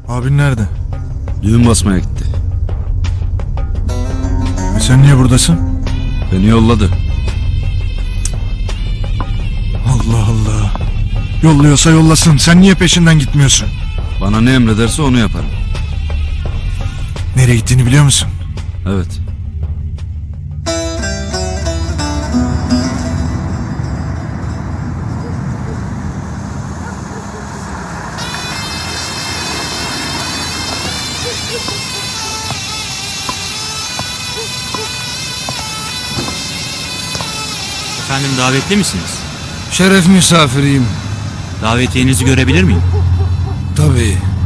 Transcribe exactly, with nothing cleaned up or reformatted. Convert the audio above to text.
Abin nerede? Düğün basmaya gitti. E sen niye buradasın? Beni yolladı. Allah Allah. Yolluyorsa yollasın. Sen niye peşinden gitmiyorsun? Bana ne emrederse onu yaparım. Nereye gittiğini biliyor musun? Evet. Efendim, davetli misiniz? Şeref misafiriyim. Davetiyenizi görebilir miyim? Tabii.